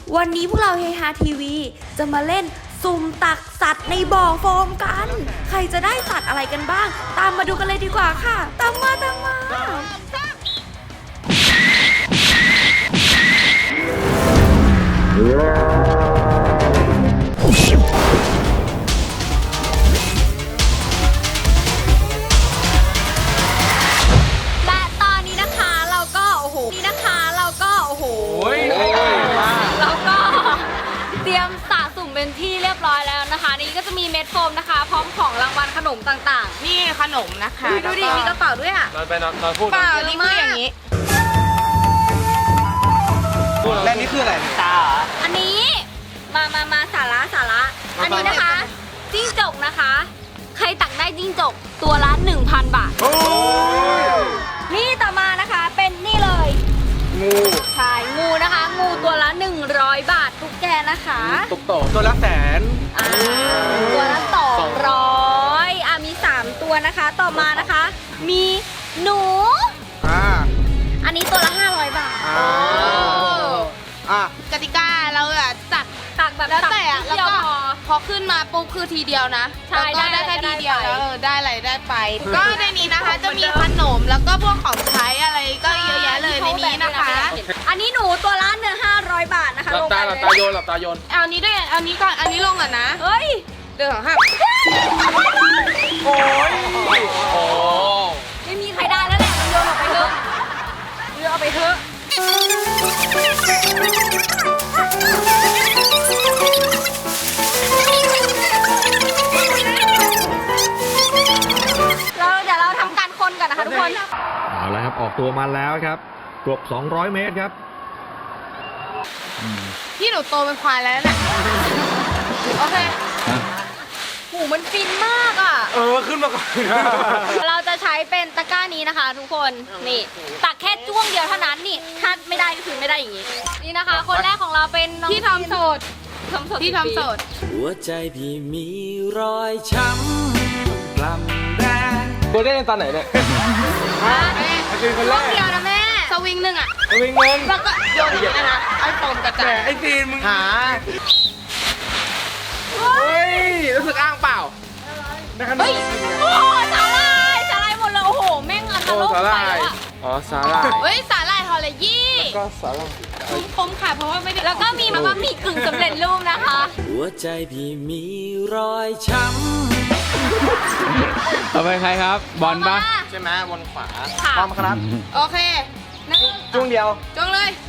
วันนี้พวกเราเฮฮาทีวีจะมาเล่นสุ่มตักสัตว์ในบ่อโฟมกัน ใครจะได้สัตว์อะไรกันบ้าง ตามมาดูกันเลยดีกว่าค่ะ ตามมาและตอนนี้นะคะเราก็โอ้โหเราก็เตรียมสะสมเป็นที่เรียบร้อยแล้วนะคะนี่ก็จะมีเม็ดโฟมนะคะพร้อมของรางวัลขนมต่างๆนี่ขนมนะคะดูดิมีกระเป๋าด้วยอ่ะนอนพูดเปล่านี่คืออย่างนี้และนี่คืออะไรตาอันนี้มาสาระอันนี้นะคะจิ้งจกนะคะใครตักได้จิ้งจกตัวละ 1,000 บาทนี่ต่อมานะคะเป็นนี่เลยงูใช่งูนะคะงูตัวละ100 บาทตุ๊กแกนะคะตุ๊กโตตัวละ100,000 ตัวละ200มี3ตัวนะคะต่อมานะคะมีหนูอันนี้ตัวละ500 บาทกติกาเราจัดตักแบบแล้วแต่แล้วก็พอขึ้นมาปุ๊บคือทีเดียวนะแล้วก็ได้แค่ทีเดียวแล้วได้อะไรได้ไปก็ในนี้นะคะจะมีขนมแล้วก็พวกของใช้อะไรก็เยอะแยะเลยในนี้นะคะอันนี้หนูตัวละ500 บาทนะคะหลับตาโยนเอานี้ด้วยเอานี้ก่อนอันนี้ลงก่อนนะเฮ้ยเดือดห้าโอ้ไม่มีใครได้แล้วแหละมันโยนออกไปเถอะโยนออกไปเถอะเดี๋ยวเราทำการคนก่อนนะคะทุกคนเอาละครับออกตัวมาแล้วครับเกือบ200 เมตรครับพี่หนูโตเป็นควายแล้วเนี่ยโอเคหูมันฟินมากอ่ะขึ้นมาก่อนเราจะใช้เป็นตะกร้านี้นะคะทุกคนนี่ตักแค่จ้วงเดียวเท่านั้นนี่ถ้าไม่ได้ก็คือไม่ได้อย่างนี้นี่นะคะคนแรกของเราเป็นน้องที่ทำโสดที่ทำโสดหัวใจพี่มีรอยช้ำกล้ำแดงตัวได้ตอนไหนเนี่ยคือคนแรกเดียวนะแม่สวิงหนึ่งอ่ะสวิงเงินแล้วก็โยนอย่างนี้นะไอ้ปมกระจายไอ้ฟีนมึงหาเฮ้ยรู้สึกอ้างเปล่าเฮ้ยโอ้สาลายหมดเลยโอ้โหแม่งอันตรายไปแล้วอ๋อสาลายเฮ้ยสาลายฮอลเลยี่ก็สาลายคมค่ะเพราะว่าไม่ได้แล้วก็มีมาม่ามีกึ่งสำเร็จรูปนะคะหัวใจพี่มีรอยช้ำต่อไปใครครับบอลปะใช่ไหมบอลขวาพร้อมครับโอเคจ้วงเดียวจ้วงเลย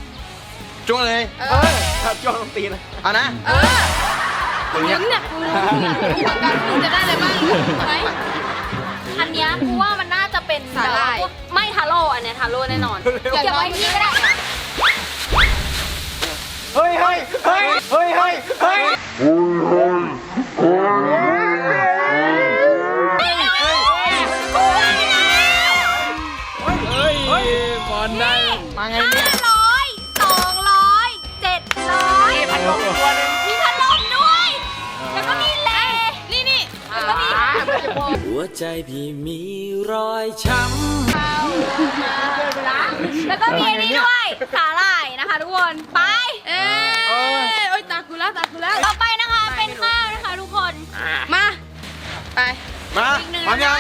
ครับจ้วงลงตีนะเอานะลุ้นเนี่ยคุณจะได้อะไรบ้างไหมอันเนี้ยกูว่ามันน่าจะเป็นสาลายไม่ทาโร่อันเนี้ยทาโร่แน่นอนเก็บไว้ที่ก็ได้เฮ้ยบอลได้มาไงเนี่ย 500 200 700มีพัดลมตัวนึงมีพัดลมด้วยแล้วก็มีเลนี่แล้วก็มีหัวใจพี่มีรอยช้ำแล้วก็มีอันนี้ด้วยสาหร่ายนะคะทุกคนไปตากูแล้วต่อไปนะคะเป็นข้าวนะคะทุกคนมาพร้อมยัง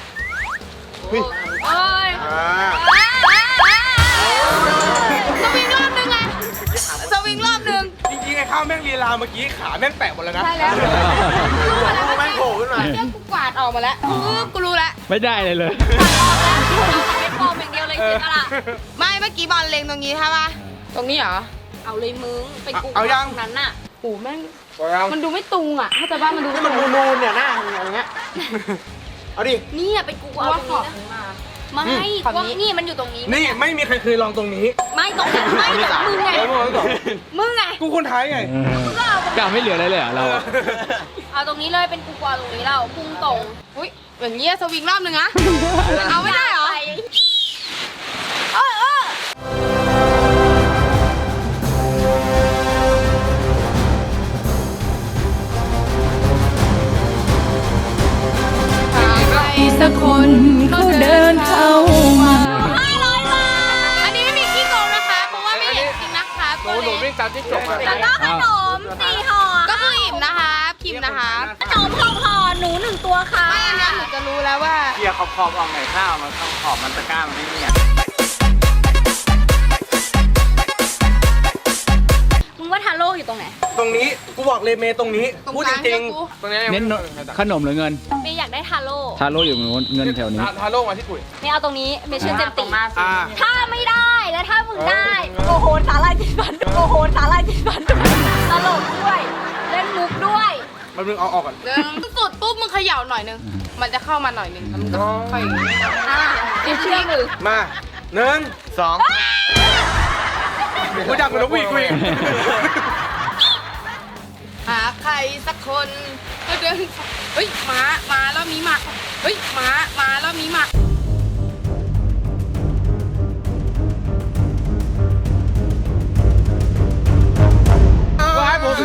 สวิงรอบนึงจริงๆไอ้ข้าวแม่งลีลาเมื่อกี้ขาแม่งแปะหมดแล้วนะใช่แล้วแม่งโผล่ขึ้นมาเรื่องกูกวาดออกมาแล้วกูรู้แล้วไม่ได้เลยเป็นฟอร์มอย่างเดียวเลยเจ๊กะล่ะไม่เมื่อกี้บอลเล็งตรงนี้ใช่ป่ะตรงนี้เหรอเอาเลยมึงเป็นกูนั้นน่ะโอ้แม่งมันดูไม่ตุงอ่ะถ้าจะบ้านมันดูให้มันนูนเนี่ยหน้าอย่างเงี้ยเอาดินี่เป็นกูเอาตรงนี้นะไม่นี่มันอยู่ตรงนี้นี่ไม่มีใครเคยลองตรงนี้ไม่ตรงนี้ไม่แต่มึงไงกูคนไทยไงกล้าไม่เหลืออะไรเลยเราเอาตรงนี้เลยเป็นกูเอาตรงนี้เราพุ่งตรงอุ้ยอย่างเงี้ยสวิงรอบนึงนะเอาไม่ได้เหรอสักคนเขาเดินเข้ามา 500 บาทอันนี้ไม่มีขี้โกงนะคะเพราะว่าไม่เห็นจริงนะคะหนูวิ่งตามที่จบมาแล้วก็ขนม4ห่อก็คืออิ่มนะคะพิมพ์นะคะขนม6ห่อหนู1ตัวค่ะไม่อันนี้หนูจะรู้แล้วว่าเกียร์ขอบออกไหนข้าวมันขอบมันตะกร้ามันไม่เนี่ยมึงว่าทาโร่อยู่ตรงไหนตรงนี้กูบอกเลยเมย์ตรงนี้ตรงพูดกจลางริงเนี่ยกูๆตรงนี้เน้นขนมหรือเงินเมย์อยากได้ทาโร่ทาโร่อยู่เงินแถวนี้ทาโร่มาที่กุยเมย์เอาตรงนี้เมย์เชื่อเต็มตีอ่าถ้าไม่ได้แล้วถ้ามึงได้ โอ้โหสาลายติดฟันโอ้โหสาลายติดฟันตลกด้วย เล่นมุกด้วยมันมึงเอาออกก่อนเดินสุดปุ๊บมึงเขย่าหน่อยนึง มันจะเข้ามาหน่อยนึงแล้วมึงก็ค่อยอ่ะเชื่อมือมา1 2กูจับมันแล้ววิ่งกูอีกหาใครสักคนก็เดินเฮ้ยมาแล้วมีหมาเฮ้ยมาแล้วมีหมาก็ให้ผมสิ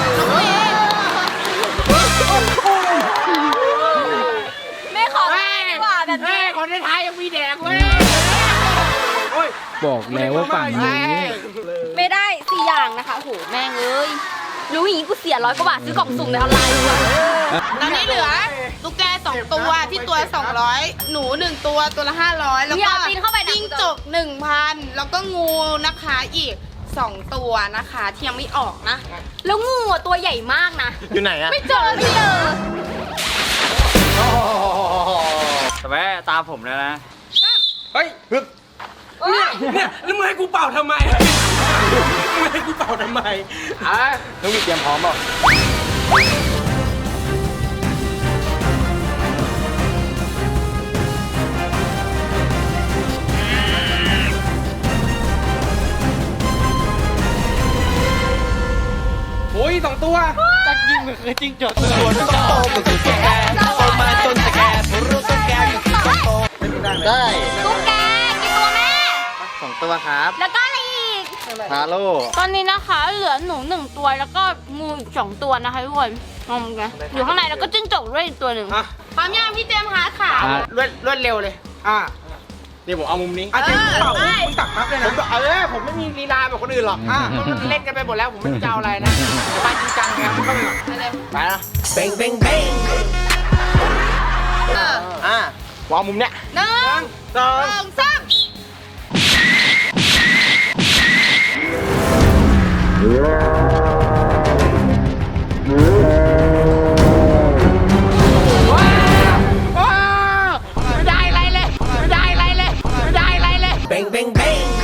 ไม่ขอแม่ดีกว่าแบบนี้คนในไทยยังมีแดกเว้ยโอ้ยบอกแล้วว่าฝั่งนี้ไม่ได้4อย่างนะคะโหแม่งเอ้ยรู้อย่างนี้กูเสีย100 กว่าบาทซื้อกล่องสุ่มในออนไลน์ดีกว่าตอนนี้เหลือตุ๊กแก2 ตัวที่ตัว200หนู1ตัวตัวละ500แล้วอย่าก็ปีนเข้าไปนะจิ้งจก 1,000แล้วก็งูนะคะอีก2 ตัวนะคะที่ยังไม่ออกนะแล้วงูอ่ะตัวใหญ่มากนะอยู่ไหนอะไม่เจอแต่แม่ตามผมแล้วนะ เฮ้ยฮึบเนี่ยแล้วมึงให้กูเป่าทำไมมึงให้กูเป่าทำไมน้องวิเตรียมพร้อมเปล่าโอ้ย2 ตัวจักยิงมันคือจริงจดตัวต้องโตมันคือแกโตมาจนจะแกรู้ต้นแกอยู่ที่ต้นโตได้ตุ๊กแกกี่ตัวแม่ 2 ตัวครับแล้วก็อะไรอีกฮาโลตอนนี้นะคะเหลือหนู1 ตัวแล้วก็งูอีก2 ตัวนะคะทุกคนงงกันอยู่ข้างในแล้วก็จิ้งจกด้วยอีกตัวหนึ่งอ่ะพร้อมยังพี่เจมส์หาขารวดเร็วเลยเดี๋ยวผมเอามุมนี้เจมเป่ามึงตักนับเลยนะผมไม่มีลีลาแบบคนอื่นหรอกมันเล่นกันไปหมดแล้วผมไม่รู้จะเอาอะไรนะไปจริงจังไงมึงเข้าไปก่อนไปนะเบ่งเบ่งเบ่งวางมุมเนี้ย 1 2 3 ไม่ได้อะไรเลยไม่ได้อะไรเลยไม่ได้อะไรเลยเบ่งเบ่งเบ่ง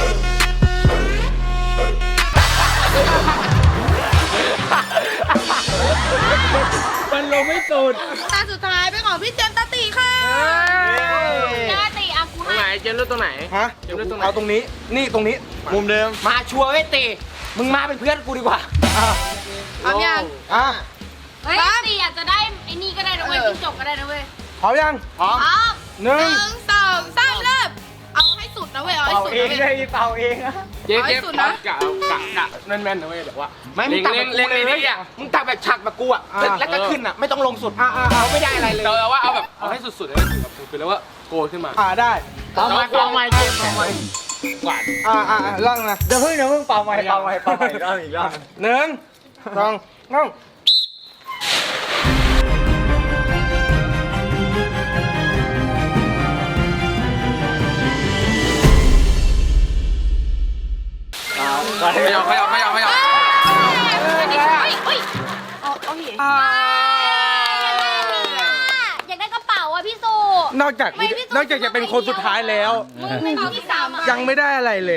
มันลงไม่สุดตาสุดท้ายเป็นของพี่เจมส์ตาตีค่ะหน้าตีอากูตรงไหนให้เจมเลือกตรงไหนฮะเจมเลือกตรงไหนเอาตรงนี้นี่ตรงนี้มุมเดิมมาชัวร์ไว้ตีมึงมาเป็นเพื่อนกูดีกว่าพร้อมยังเฮ้ยตีอาจจะได้ไอ้นี่ก็ได้นะเว้ยจิ้งจกก็ได้นะเว้ยพร้อมยังพร้อมอ้าวหนึ่ง 1 2 3 เริ่มเอาให้สุดนะเว้ยเอาให้เป่าสุดเองนะเลเว้ยยเป่าเองอะเอาให้สุดนะกะแม่นๆนะเว้ยแบบว่าไม่มึงตักแบบกูเลยอ่ะมึงตักแบบฉักแบบกูอ่ะแล้วก็ขึ้นอ่ะไม่ต้องลงสุดเอาไม่ได้อะไรเลยแต่ว่าเอาแบบเอาให้สุดๆเลยแบบคือแล้วว่าโกยขึ้นมาได้เป่าไม้เป่าไม้เกมเป่าไม้กวาดล่างนะเดี๋ยวเพิ่งเป่าไม้รอบอีกรอบ1 2 3นั่งไม่เอาอยากได้กระเป๋าอ่ะพี่สุนอกจากจะเป็นคนสุดท้ายแล้วมึงเป็นคนที่3อ่ะยังไม่ได้อะไรเลย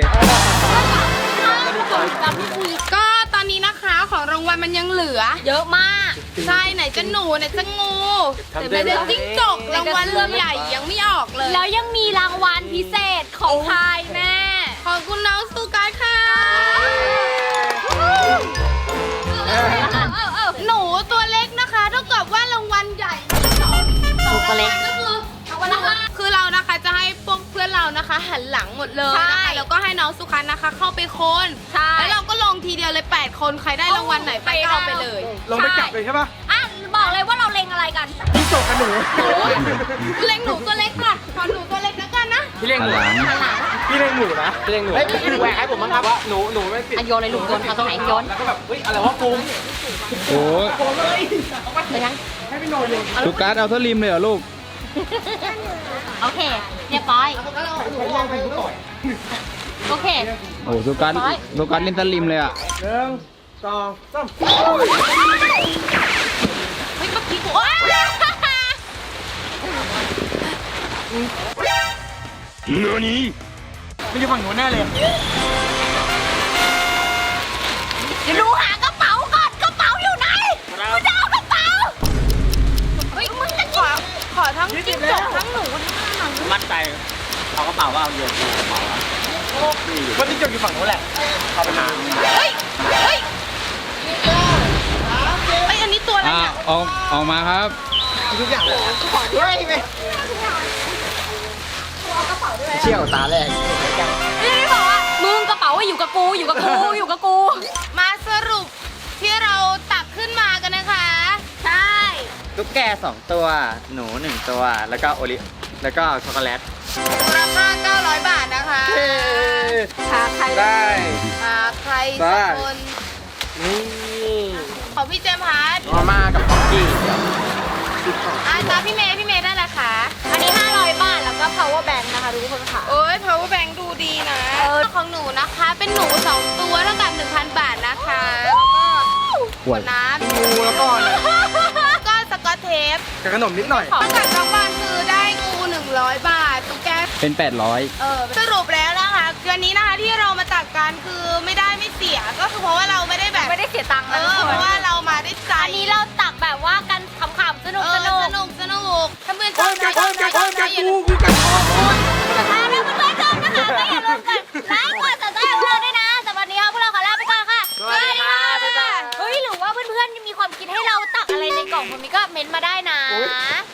ก็ตอนนี้นะคะของรางวัลมันยังเหลือเยอะมากใช่ไหนจะหนูไหนจะงูไหนจะจิ้งจกรางวัลใหญ่ยังไม่ออกเลยแล้วยังมีรางวัลพิเศษของพายแม่ขอบคุณน้องสุการค่ะหนูตัวเล็กนะคะเท่ากับว่ารางวัลใหญ่ตัวเล็กก็คือเรานะคะจะให้พวกเพื่อนเรานะคะ หันหลังหมดเลยนะคะแล้วก็ให้น้องสุคันนะคะ เข้าไปโคนใช่แล้วเราก็ลงทีเดียวเลย8 คนใครได้รางวัลไหนไปก็เอาไปเลยลงไปจับเลยใช่ป่ะอ่ะบอกเลยว่าเราเล็งอะไรกันพี่โจกับหนูเล็งหนูตัวเล็กค่ะขอหนูตัวเล็กแล้วกันนะพี่เลี้ยงหนูหันหลังพี่เลี้ยงหนูนะพี่เลี้ยงหนูพี่แหวกให้ผมบ้างครับว่าหนูไม่ติดโยนเลยลูกโยนเอาตรงไหนโยนแล้วก็แบบเฮ้ยอะไรวะปูมโอ้ยไปยังให้พี่โนโยนสุกัสเอาเท่าริมเลยเหรอลูกโอเคเรียบร้อยโอเคโอ้สุกัสเล่นเท่าริมเลยอ่ะ 1 2 3 เฮ้ยเมื่อกี้กูว้าไม่อยู่ฝั่งหนูแน่เลยเดี๋ยวดูหากระเป๋าก่อนกระเป๋าอยู่ไหนกูจะเอากระเป๋าเฮ้ยมึงจะขอทั้งจิ้งจกทั้งหนูมั่นใจเอากระเป๋าว่าเอาโยนกระเป๋าว่าที่จบอยู่ฝั่งนู้นแหละเอาไปหาเฮ้ยเฮ้ยไอ้ยอันนี้ตัวอะไรอ่ะเนี่ยออกมาครับทุกอย่างเลยเฮ้ยไปเชี่ยวตาแรกไม่ได้บอกว่ามึงกระเป๋าอยู่กับกูอยู่กับกูอยู่กับกูมาสรุปที่เราตักขึ้นมากันนะคะใช่ตุ๊กแก2 ตัว หนู 1 ตัว แล้วก็แล้วก็ช็อกโกแลตราคา900 บาทนะคะหาใครได้ใครสักคนนี่ของพี่เจมส์ฮาร์ดมาม่ากับป๊อกกี้ตาพี่เมย์ได้แหละค่ะอันนี้500 บาทแล้วก็ power bank นะคะทุกคนค่ะโอ้ย power bank ดูดีนะของหนูนะคะ เป็นหนู2 ตัวเท่ากับ 1,000 บาทนะคะแล้วก็ขวดน้ำงูแล้วก็อะไรแล้วก็สกอตเทปกับขนมนิดหน่อยของกับน้องบอลคือได้งู100 บาทตุ๊กแกเป็น 800 สรุปแล้วนะคะวันนี้นะคะที่เรามาตักกันคือไม่ได้ไม่เสียก็คือเพราะว่าเราไม่ได้แบบไม่ได้เสียตังค์นะทุกเพคนราะว่าเรามาได้ใจอันนี้เราตักแบบว่ากันขำๆสนุกสสนุกนุกถ้าเพื่อนชอบนะอย่าลืมแต่ถ้าเพื่อนๆชอบนะคะก็อย่าลืมกดไลค์กดติดตามพวกเราด้วยนะแต่วันนี้พวกเราขอลาไปก่อนค่ะสวัสดีค่ะบ๊ายบายเฮ้ยหรือว่าเพื่อนๆมีความคิดให้เราตักอะไรในกล่องคนนี้ก็เม้นต์มาได้นะ